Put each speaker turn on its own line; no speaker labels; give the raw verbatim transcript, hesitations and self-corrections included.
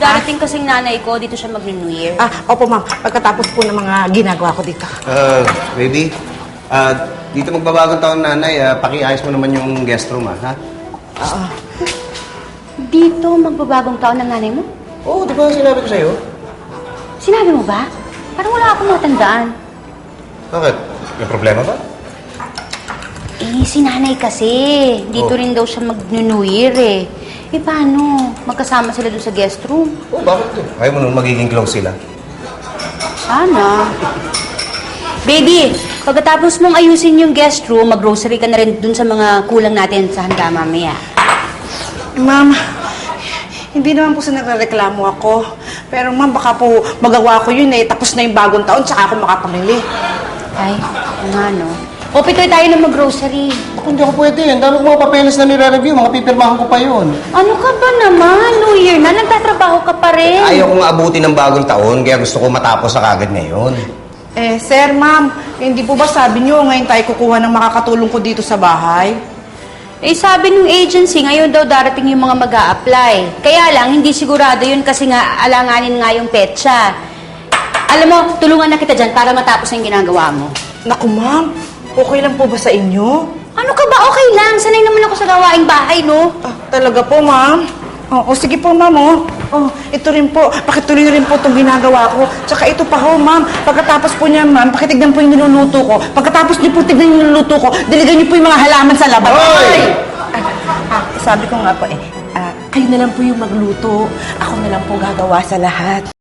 Darating kasing nanay ko, dito siya mag-New Year.
Ah, opo ma'am. Pagkatapos po ng mga ginagawa ko dito.
Uh, baby, uh, dito magbabagong taon nanay, uh, pakiayos mo naman yung guest room, ah, ha?
Oo.
Dito magbabagong taon ng nanay mo?
Oo, oh, di ba sinabi ko sa'yo?
Sinabi mo ba? Parang wala akong matandaan.
Bakit? May problema ba?
Eh, si nanay kasi. Dito
Oh.
rin daw siya mag-New Year eh. Eh, paano? Magkasama sila dun sa guest room?
Oo, oh, bakit to? Ayaw mo nung magiging close sila.
Sana. Baby, pagkatapos mong ayusin yung guest room, mag-grocery ka na rin dun sa mga kulang natin sa handa mamaya.
Ma'am, hindi naman po sa nagreklamo ako. Pero ma'am, baka po magawa ko yun eh. Tapos na yung bagong taon, tsaka ako makapamili.
Ay, ano no? O, pitoy tayo na mag-grocery.
Ako hindi ako pwede. Ang dami ko mga papeles na nire-review. Mga pipirmahan ko pa yun.
Ano ka ba naman? New Year na, nagtatrabaho ka pa rin.
Ayaw ko nga abutin ng bagong taon, kaya gusto ko matapos sa kagad ngayon.
Eh, sir, ma'am, hindi po ba sabi niyo ngayon tayo kukuha ng makakatulong ko dito sa bahay?
Eh, sabi ng agency, ngayon daw darating yung mga mag apply Kaya lang, hindi sigurado yun kasi nga alanganin nga yung petsa. Alam mo, tulungan na kita dyan para matapos yung ginagawa mo.
Naku, ma'am, okay lang po ba sa inyo?
Ano ka ba? Okay lang. Sanay naman ako sa gawaing bahay, no?
Ah, talaga po, ma'am? Oh, oh, sige po, ma'am, oh. Oh, ito rin po. Pakituloy rin po itong ginagawa ko. Tsaka ito pa ho, ma'am. Pagkatapos po niya, ma'am, pakitignan po yung niluluto ko. Pagkatapos niyo po tignan yung niluluto ko, diligan niyo po yung mga halaman sa labas.
Hoy!
Ah, ah, sabi ko nga po eh, ah, kayo na lang po yung magluto. Ako na lang po gagawa sa lahat.